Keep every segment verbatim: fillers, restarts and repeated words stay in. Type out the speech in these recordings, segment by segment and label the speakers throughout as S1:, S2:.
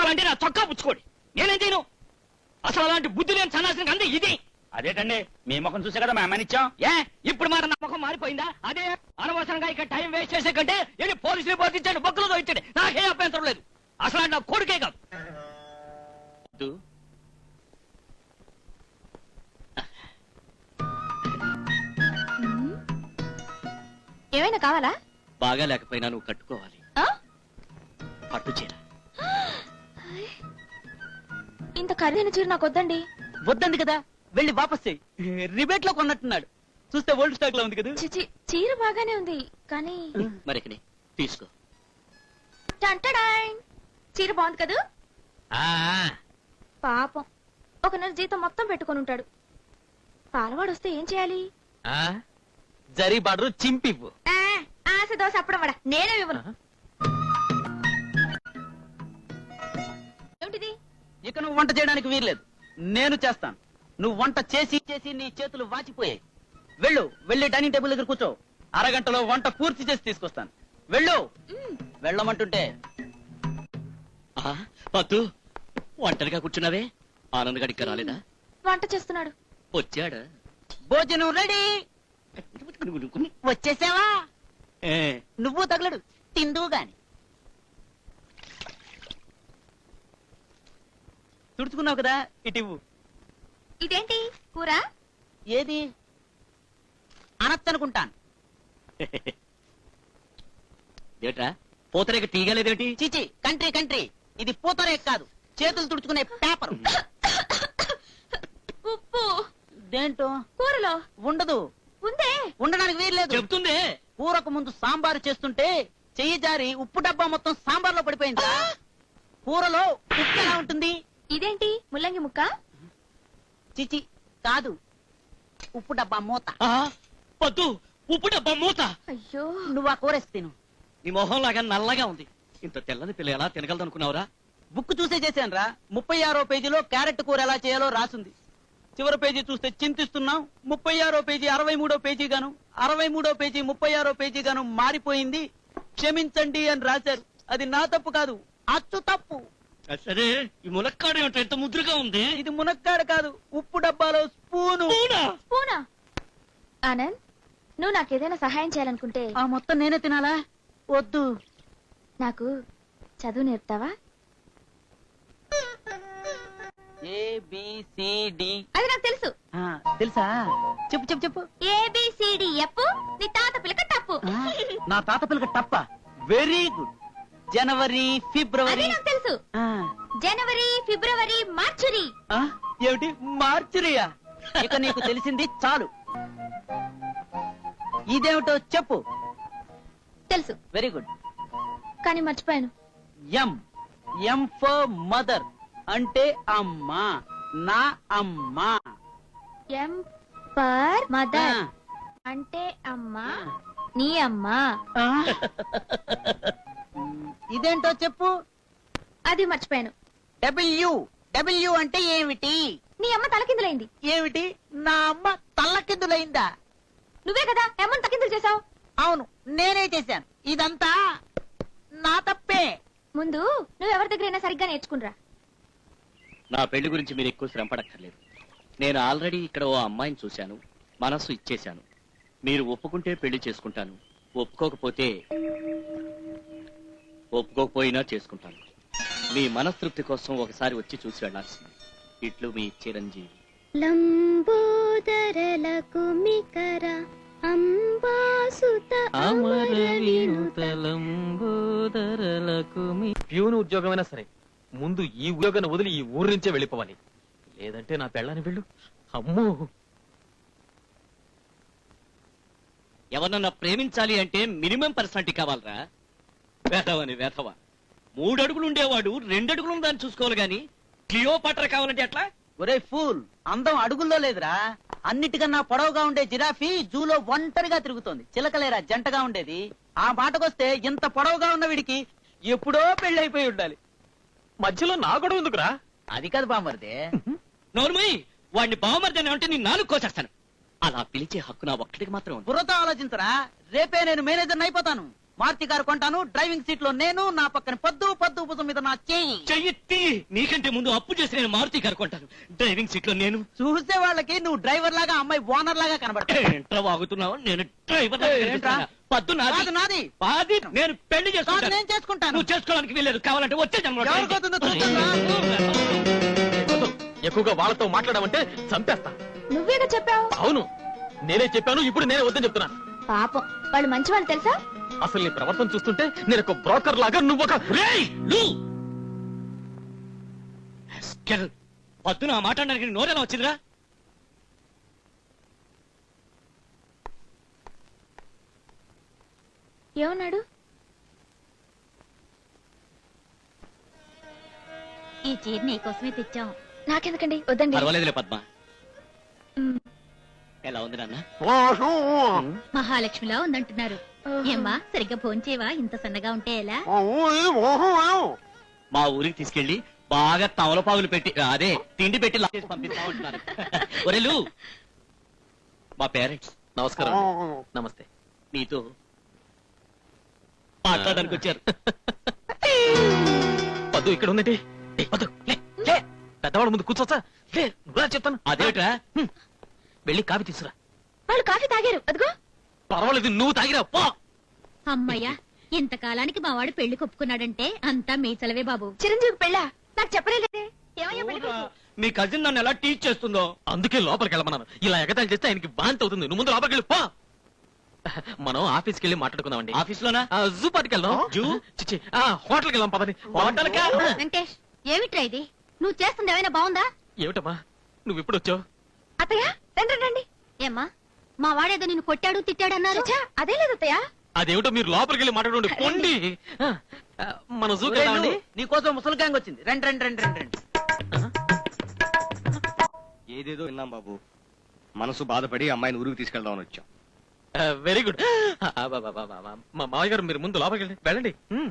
S1: కావాలంటే నా చొక్కా పుచ్చుకోండి, నేనేం చేయను. అసలు అలాంటి బుద్ధి లేని సన్నాసిని అంతే ఇది.
S2: అదేటండి మీ ముఖం చూసే కదా మా అమ్మని ఇచ్చాం.
S1: ఏ ఇప్పుడు మాట నా ముఖం మారిపోయిందా? అదే అనవసరంగా ఇక్కడ టైం వేస్ట్ చేసే కంటే వెళ్ళి పోలీసులు రిపోర్ట్ ఇచ్చాడు, బొక్కలతో ఇచ్చాడు, నాకే అభ్యంతరం లేదు. అసలు నా కొడుకే కాదు.
S3: ఏమైనా కావాలా?
S1: బాగా లేకపోయినా నువ్వు కట్టుకోవాలి పట్టు చీర.
S3: ఇంత ఖరీదైన చీర నాకు వద్దండి.
S4: వద్దంది కదా, వెళ్ళి వాపస్ చెయ్యి. రిబేట్ లో కొన్నట్టున్నాడు, చూస్తే ఓల్డ్ స్టాక్ లో ఉంది కదా.
S3: చిచి, చీర బాగానే ఉంది కానీ
S1: మరికి తీసుకో.
S3: టంటడాయ్, చీర బాగుంది కదా. పాపం ఒక నెల జీతం మొత్తం పెట్టుకొని ఉంటాడు. పాలవాడు వస్తే ఏం చేయాలి?
S4: జరీ బార్డర్ చింపివ్వు.
S3: ఆ, ఆశ దోశ అప్పడం వడ నేనే ఇవ్వను. ఏమిటిది?
S4: ఇక నువ్వు వంట చేయడానికి వీల్లేదు, నేను చేస్తాను. నువ్వు వంట చేసి చేసి నీ చేతులు వాచిపోయాయి. వెళ్ళు, వెళ్ళి డైనింగ్ టేబుల్ దగ్గర కూర్చో. అరగంటలో వంట పూర్తి చేసి తీసుకొస్తాను. వెళ్ళు. వెళ్ళమంటుంటే.
S1: పద్దు, ఒంటరిగా కూర్చున్నావే, ఆనంద్ గడికి రాలేదా?
S3: వంట చేస్తున్నాడు.
S1: వచ్చాడా?
S4: భోజనం రెడీ. వచ్చేసావా? నువ్వు తగలడు, తిందువు గాని. తుడుచుకున్నావు కదా, ఇటివ్వు.
S3: ఇదేంటి కూర?
S4: ఏది అనొచ్చనుకుంటాను.
S1: ఏట్రా పూతరేక తీయగలేదేంటి?
S4: చిచి, కంట్రీ కంట్రీ, ఇది పూతరేక కాదు, చేతులు తుడుచుకునే పేపర్.
S3: ఉప్పు
S4: దేంటో
S3: కూరలో
S4: ఉండదు.
S3: ఉందే,
S4: ఉండడానికి వీల్లేదు.
S1: చెప్తుందే.
S4: కూరకు ముందు సాంబారు చేస్తుంటే చెయ్యి జారి ఉప్పు డబ్బా మొత్తం సాంబార్లో పడిపోయిందా? కూరలో ఉప్పు ఎలా ఉంటుంది?
S3: ఇదేంటి ముల్లంగి ముక్క?
S4: చిచి కాదు, ఉప్పు డబ్బా మూత.
S1: పద్దు, ఉప్పు డబ్బా మూత.
S4: అయ్యో, నువ్వు ఆ కూరేసి తిను.
S1: నీ మొహం లాగా నల్లగా ఉంది. ఇంత తెల్లని పిల్ల ఎలా తినగలదు అనుకున్నావురా?
S4: బుక్ చూసే చేశాను రా. ముప్పై ఆరో పేజీలో క్యారెట్ కూర ఎలా చేయాలో రాసుంది. చివరి పేజీ చూస్తే చింతిస్తున్నాం. ముప్పై ఆరో పేజీ అరవై మూడో పేజీ గాను, అరవై మూడో పేజీ ముప్పై ఆరో పేజీ గాను మారిపోయింది. క్షమించండి అని రాశారు. అది నా తప్పు కాదు, అచ్చు తప్పు.
S1: సరే, ఈ మునక్కాడ ఎంత ముద్రగా ఉంది.
S4: ఇది మునక్కాడ కాదు, ఉప్పు డబ్బాలో స్పూను.
S3: స్పూనా? ఆనంద్, నువ్వు నాకేదైనా సహాయం చేయాలనుకుంటే
S4: ఆ మొత్తం నేనే తినాలా? వద్దు.
S3: నాకు చదువు నేర్పుతావా?
S4: ఏబిసిడి.
S3: అది నాకు తెలుసు.
S4: తెలుసా? చెప్పు చెప్పు చెప్పు.
S3: ఏబిసిడి ఎప్పు, నీ తాత పిల్లక టప్పు.
S4: నా తాత పిల్లక టప్ప. Very good. జనవరి, ఫిబ్రవరి.
S3: అది నాకు తెలుసు. జనవరి, ఫిబ్రవరి, మార్చురి.
S4: ఏమిటి మార్చురియా? ఇక నీకు తెలిసింది చాలు. ఇదేమిటో చెప్పు.
S3: తెలుసు.
S4: Very good.
S3: కానీ మర్చిపోయాను.
S4: ఎం. ఎం ఫర్ మదర్, అంటే అమ్మ. నా అమ్మ.
S3: ఎం ఫర్ మదర్, అంటే అమ్మ. నీ అమ్మ.
S4: ఇదేంటో చెప్పు.
S3: అది మర్చిపోయాను.
S4: డబ్ల్యూ. డబ్ల్యూ అంటే ఏమిటి?
S3: నీ అమ్మ తలకిందులైంది.
S4: ఏమిటి? నా అమ్మ తల్లకిందులైందా?
S3: నువ్వే కదా అమ్మని తలకిందులు చేసావు.
S4: అవును, నేనే చేశాను. ఇదంతా నా తప్పే.
S3: ముందు నువ్వెవరి దగ్గరైనా సరిగ్గా నేర్చుకునిరా.
S1: నా పెళ్లి గురించి మీరు ఎక్కువ శ్రమ పడక్కర్లేదు. నేను ఆల్రెడీ ఇక్కడ ఓ అమ్మాయిని చూశాను, మనస్సు ఇచ్చేశాను. మీరు ఒప్పుకుంటే పెళ్లి చేసుకుంటాను, ఒప్పుకోకపోతే ఒప్పుకోకపోయినా చేసుకుంటాను. మీ మనస్తృప్తి కోసం ఒకసారి వచ్చి చూసి వెళ్లాల్సింది. ఇట్లు మీ చిరంజీవి.
S3: లంబోదరలకు మికర అంబాసుత
S5: ప్యూన్ ఉద్యోగమైనా సరే ముందు ఈ ఉద్యోగాన్ని వదిలి ఈ ఊరి నుంచే వెళ్ళిపోవాలి, లేదంటే నా పెళ్ళాన్ని వెళ్ళు. అమ్మో,
S1: ఎవరన్నా ప్రేమించాలి అంటే మినిమం పర్సనాలిటీ కావాలరా. వేధవని వేధవ. మూడు అడుగులు ఉండేవాడు రెండు అడుగులు దాన్ని చూసుకోవాలి గాని క్లియోపాట్ర కావాలంటే ఎట్లా?
S4: ఒరే ఫూల్, అందం అడుగుల్లో లేదురా. అన్నిటికన్నా పొడవుగా ఉండే జిరాఫీ జూలో ఒంటరిగా తిరుగుతోంది. చిలకలేరా జంటగా ఉండేది. ఆ మాటకొస్తే ఇంత పొడవుగా ఉన్న వీడికి ఎప్పుడో పెళ్లి ఉండాలి.
S5: మధ్యలో నా గొడవ ఎందుకురా?
S4: అది కాదు బామ్మర్దే.
S1: నోర్మయ్, వాడిని బావమర్దని అంటే నీ నాలుగు కోసేస్తాను. అలా పిలిచే హక్కు నా ఒక్కడికి మాత్రం ఉంది.
S4: బుర్రతో ఆలోచించరా. రేపే నేను మేనేజర్ అయిపోతాను. మారుతి కారు కొంటాను, డ్రైవింగ్ సీట్ లో నేను, నా పక్కన పద్దు పద్దు భుజం మీద నా చెయ్యి.
S1: చెయ్యి నీకంటే ముందు అప్పు చేసి నేను మారుతి కనుకుంటాను. డ్రైవింగ్ సీట్ లో నేను
S4: చూసే వాళ్ళకి నువ్వు డ్రైవర్ లాగా, అమ్మాయి ఓనర్ లాగా కనబడతావు.
S1: ఏంట్రా వాగుతున్నావు? నేను డ్రైవర్
S4: ఏంట్రా?
S1: పద్దు
S4: కాదు నాది.
S1: పాది నేను పెళ్లి
S4: కాదు
S1: చేసుకుంటాను.
S4: నేను చేసుకుంటాను.
S1: నువ్వు చేసుకోవడానికి వీలేదు. కావాలంటే వచ్చే జన్మలో
S4: ఎవరికి అవుతుందో చూద్దాం రా.
S5: వద్దు. ఎక్కువగా వాళ్ళతో మాట్లాడమంటే చంపేస్తా.
S3: నువ్వేగా చెప్పావు.
S5: అవును, నేనే చెప్పాను. ఇప్పుడు నేనే వద్దని చెప్తున్నా.
S3: పాపం వాళ్ళు మంచి వాళ్ళు తెలుసా.
S5: అసలు నీ ప్రవర్తన చూస్తుంటే నేను ఒక బ్రోకర్ లాగా, నువ్వు ఒక
S1: పద్దున ఆ మాట్లాడడానికి నోరేలా వచ్చిందిరా?
S3: ఏమన్నాడు?
S6: ఈ చీర నీకోసమే తెచ్చాం.
S3: నాకెందుకండి, వద్దండి.
S1: పర్వాలేదులే పద్మ.
S3: మ్,
S1: ఎలా ఉంది నాన్న?
S6: మహాలక్ష్మిలా ఉందంటున్నారు.
S3: ఓహో.
S6: ఏమ్మా సరిగ్గా భోంచేవా? ఇంత సన్నగా ఉంటే ఎలా?
S1: మా ఊరికి తీసుకెళ్లి బాగా తమలపాగులు పెట్టి అదే తిండి పెట్టి లాక్ చేసి పంపిస్తా ఉంటున్నారు. ఒరేలు మా పేరెంట్స్
S5: నమస్కారం అండి. నమస్తే.
S1: నీతో మాట్లాడడానికి వచ్చారు.
S5: పద్దు ఇక్కడ ఉందండి. ఏయ్, పద్దు, లే, లే. పెద్దవాళ్ళ ముందు కూర్చోచ్చా? లే, నువ్వురా చెప్తాను.
S1: అదేమిట్రా?
S5: హ్మ్. వెళ్ళి కాఫీ తీసురా.
S3: వాళ్ళు కాఫీ తాగారు, అదిగో.
S5: పర్వాలేదు, నువ్వు తాగిరా పో.
S6: అమ్మయ్యా, ఇంతకాలానికి మా వాడు పెళ్లి కొప్పుకున్నాడంటే అంతా మీ చలవే బాబు.
S3: చిరంజీవి పెళ్ళా? నాకు చెప్పలేదే. ఏమయ్యా పెళ్లి కొడుకు?
S1: మీ కజిన్ నన్ను ఎలా టీచ్ చేస్తుందో.
S5: అందుకే లోపలికి వెళ్ళమన్నాను. ఇలా ఎగతాళి చేస్తే ఆయనకి బాంతి అవుతుంది. నువ్వు ముందు లోపలికి వెళ్ళి పో. మనం ఆఫీస్కి వెళ్ళి మాట్లాడుకుందామండి.
S1: ఆఫీస్ లోనా?
S5: ఆ, జూ పార్టీకి వెళ్దాం.
S1: జూ?
S5: చిచ్చి, ఆ, హోటల్కి వెళ్దాం పదని.
S1: హోటల్ కా?
S6: వెంకటేష్, ఏమిట్రా ఇది? నువ్వు చేస్తుంది ఏమైనా బాగుందా?
S5: ఏమిటమ్మా నువ్వు ఇప్పుడు వచ్చావు?
S3: అత్తయ్య రండి రండి.
S6: ఏమ్మా, మా వాడేదో నిన్ను కొట్టాడు తిట్టాడు అన్నారు.
S3: ఛ, అదే లేదు అత్తయ్య.
S5: అదేమిటో మీరు లోపలికి వెళ్ళి మాట్లాడండి. పొండి. ఆ, ఆ, మన జూకి
S4: ఒరేయ్
S5: వెళ్దామండి.
S4: నువ్వు, నీకోసం ముసలి గ్యాంగ్ వచ్చింది. రండి రండి రండి రండి రండి.
S7: ఏదేదో విన్నాం బాబు. మనసు బాధపడి అమ్మాయిని ఊరికి తీసుకెళ్దామని వచ్చాం.
S5: Very good. మా మామయ్య గారు మీరు ముందు లోపలికి వెళ్ళండి. వెళ్ళండి. హ్మ్.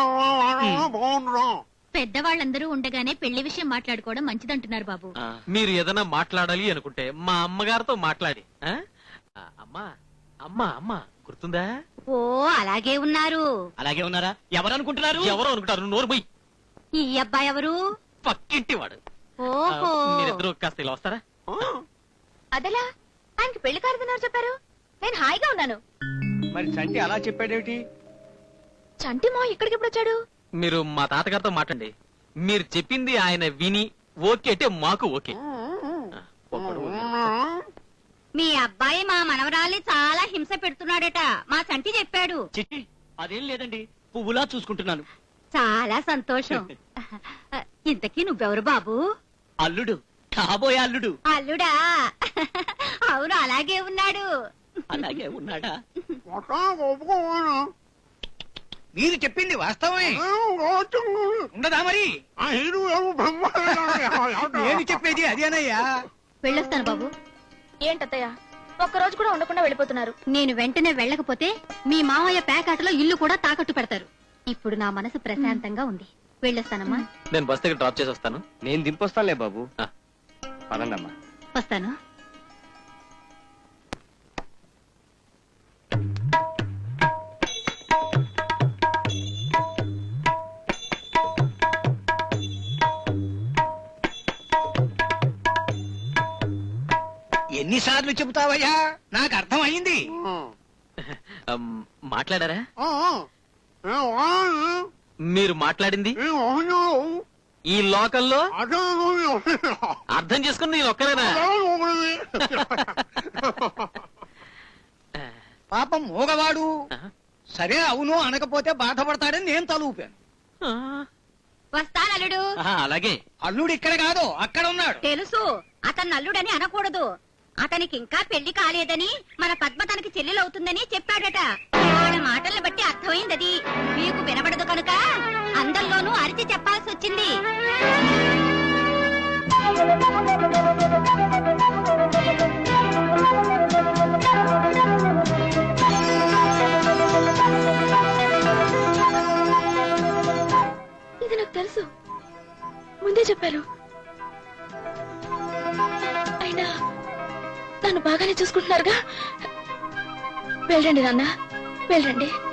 S6: పెద్దవాళ్ళందరూ ఉండగానే పెళ్లి విషయం మాట్లాడుకోవడం మంచిదంటున్నారు బాబు.
S1: ఆ,
S5: మీరు ఏదైనా మాట్లాడాలి అనుకుంటే మా అమ్మగారితో మాట్లాడి. ఆ? ఆ, అమ్మా అమ్మా అమ్మా గుర్తుందా?
S6: ఓ అలాగే ఉన్నారు.
S1: అలాగే ఉన్నారా? ఎవరు అనుకుంటున్నారు?
S5: ఎవరో అనుకుంటారు. నోరు పోయి.
S6: ఈ అబ్బాయి ఎవరు?
S5: పక్కింటి వాడు. ఆ,
S6: ఓహో,
S5: మీరిద్దరూ కాస్త ఇలా వస్తారా?
S3: అదెలా? ఆయనకి పెళ్లి కారుతున్నారు చెప్పారు. నేను హాయిగా ఉన్నాను.
S7: మరి చంటి అలా చెప్పాడేమిటి?
S3: చంటి మా ఇక్కడికి ఎప్పుడు వచ్చాడు?
S5: మీరు మా తాతగారితో మాట్లాడండి. మీరు చెప్పింది ఆయన విని ఓకే అంటే మాకు ఓకే. ఆ, ఒక్కడు ఓకే.
S6: మీ అబ్బాయి మా మనవరాల్ని చాలా హింస పెడుతున్నాడట. మా సంటి చెప్పాడు.
S1: చిట్టి అదేం లేదండి, పువ్వులా చూసుకుంటున్నాను.
S6: చాలా సంతోషం. ఇంతకీ నువ్వెవరు బాబు?
S1: అల్లుడు, కాబోయే అల్లుడు.
S6: అల్లుడా? అవును, అలాగే ఉన్నాడు.
S1: అలాగే ఉన్నాడా?
S2: మీరు చెప్పింది వాస్తవమే ఉండదా మరి? నేను చెప్పేది అదేనయ్యా.
S6: వెళ్ళొస్తాను బాబు.
S3: ఏంటత్తయ్య ఒక్క రోజు కూడా ఉండకుండా వెళ్ళిపోతున్నారు?
S6: నేను వెంటనే వెళ్ళకపోతే మీ మామయ్య పేకాటలో ఇల్లు కూడా తాకట్టు పెడతారు. ఇప్పుడు నా మనసు ప్రశాంతంగా ఉంది. వెళ్ళొస్తానమ్మా.
S5: నేను బస్ దగ్గర డ్రాప్ చేసి వస్తాను.
S7: నేను దింపొస్తానులే బాబు.
S5: ఆ.
S7: పదండమ్మా.
S6: వస్తాను.
S2: ఎన్నిసార్లు చెబుతావయ్యా? నాకు అర్థం అయింది.
S5: అమ్, మాట్లాడారా? మీరు మాట్లాడింది ఈ లోకల్లో అర్థం చేసుకుని నేను ఒక్కనేనా?
S2: పాపం మూగవాడు.
S5: ఆ?
S2: సరే అవును అనకపోతే బాధపడతాడని నేను తలూపాను.
S5: ఆ.
S6: వస్తాను అల్లుడు.
S1: ఆహా, అలాగే.
S2: అల్లుడు ఇక్కడ కాదు అక్కడ ఉన్నాడు.
S6: తెలుసు, అతను అల్లుడని అనకూడదు. అతనికి ఇంకా పెళ్లి కాలేదని, మన పద్మ తనకి చెల్లెలవుతుందని చెప్పాడట. ఆయన మాటలను బట్టి అర్థమైందది. మీకు వినబడదు కనుక అందరిలోనూ అరిచి చెప్పాల్సి వచ్చింది.
S3: ఇది నాకు తెలుసు, ముందే చెప్పారు. అయినా నన్ను బాగానే చూసుకుంటున్నారుగా. వెళ్ళండి నాన్న, వెళ్ళండి.